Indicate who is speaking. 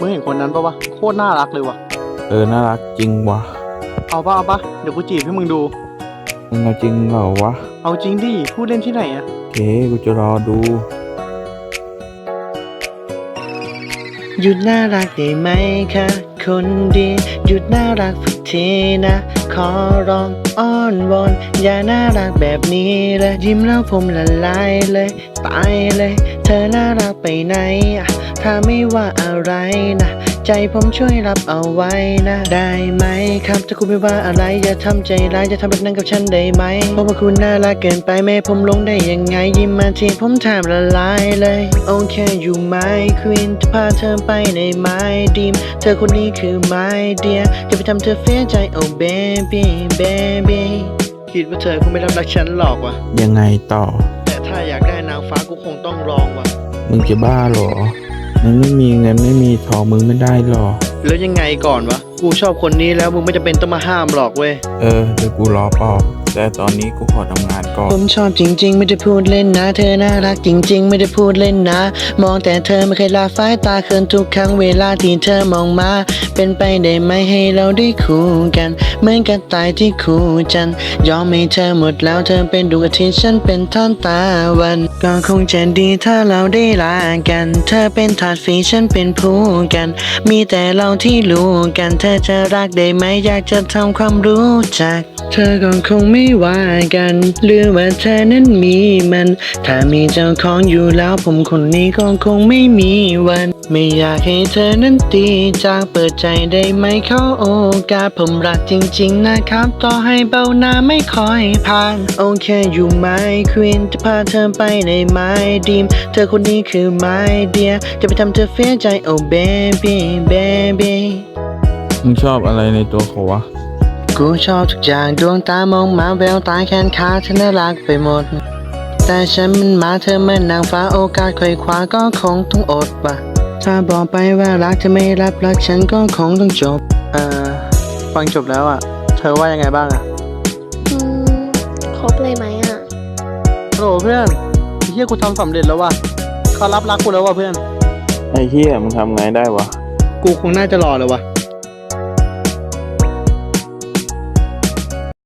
Speaker 1: งเห็นคนนั้นปะวะโคตรน่ารักเลยวะ
Speaker 2: น่ารักจริงวะ
Speaker 1: เอาปะเดี๋ยวกูจีบให้มึงดู
Speaker 2: มึงเอาจริงเหรอวะ
Speaker 1: เอาจริงดิพูดเล่นที่ไหนอะ
Speaker 2: โอเคกูจะรอดู
Speaker 1: หยุดน่ารักได้ไหมคะคนดีหยุดน่ารักสักทีนะ ขอร้องอ้อนวอนอย่าน่ารักแบบนี้เลยยิ้มแล้วผมละลายเลยตายเลย เธอน่ารักไปไหนอะถ้าไม่ว่าอะไรนะใจผมช่วยรับเอาไว้นะได้ไหมครับถ้าคุณไม่ว่าอะไรอย่าทำใจร้ายอย่าทำแบบนั้นกับฉันได้ไหมเพราะว่าคุณน่ารักเกินไปแม่ผมลงได้ยังไงยิ้มมาทีผมแทบละลายเลยโอเคอยู่ไหมควีนจะพาเธอไปในไม้ดีมเธอคนนี้คือไม้เดียจะไปทำเธอเสียใจโอ้เบบี้เบบี้คิดว่าเธอคงไม่รับรักฉันหรอกวะ
Speaker 2: ยังไงต่อ
Speaker 1: แต่ถ้าอยากได้นางฟ้ากูคงต้องลองวะ
Speaker 2: มึงจะบ้าเหรอ มึงไม่มีเงินไม่มีทองมึงไม่ได้หรอ
Speaker 1: แล้วยังไงก่อนวะกูชอบคนนี้แล้วมึงไม่จำเป็นต้องมาห้ามหรอกเว้ย
Speaker 2: เดี๋ยวกูรอปอบแต่ตอนนี้กูขอทำงานก่อน
Speaker 1: ผมชอบจริงๆไม่ได้พูดเล่นนะเธอน่ารักจริงๆไม่ได้พูดเล่นนะมองแต่เธอไม่เคยละสายตาเขินทุกครั้งเวลาที่เธอมองมาเป็นไปได้ไหมให้เราได้คู่กันเหมือนกระต่ายที่คู่จันทร์ยอมให้เธอหมดแล้วเธอเป็นดวงอาทิตย์ฉันเป็นท่อนตะวันก็คงจะดีถ้าเราได้ลากันเธอเป็นถาดฝีฉันเป็นผู้กัน มีแต่เราที่รู้กันเธอจะรักได้ไหมอยากจะทำความรู้จัก เธอก็คงไม่ว่ากันหรือว่าเธอนั้นมีมัน ถ้ามีเจ้าของอยู่แล้วผมคนนี้ก็คงไม่มีวัน ไม่อยากให้เธอนั้นตีจากเปิดใจได้ไหมเขาโอกาสผมรักจริงๆนะครับต่อให้เบาหน้าไม่ค่อยผ่านโอเคอยู่ไหมควีนจะพาเธอไปในไม้ดีมเธอคนนี้คือไม้เดียจะไปทำเธอเสียใจโอ้เบบี้เบบี้
Speaker 2: มึงชอบอะไรในตัวเขาวะ
Speaker 1: กูชอบทุกอย่างดวงตามองมาแววตาแขนขาเธอน่ารักไปหมด แต่ฉันมันมาเธอมันนางฟ้าโอกาสคอยคว้าก็คงต้องอดว่ะถ้าบอกไปว่ารักเธอไม่รับรักฉันก็คงต้องจบฟังจบแล้วอ่ะ เธอว่ายังไงบ้างอ่ะ
Speaker 3: อืมครบเลยไหมอ่ะ
Speaker 1: โหลเพื่อนเฮียกูทำสำเร็จแล้วว่ะเขารับรักกูแล้วว่ะเพื่อน
Speaker 2: ไอ้เหี้ยมึงทำไงได้วะ
Speaker 1: กูคงน่าจะรอเลยว่ะ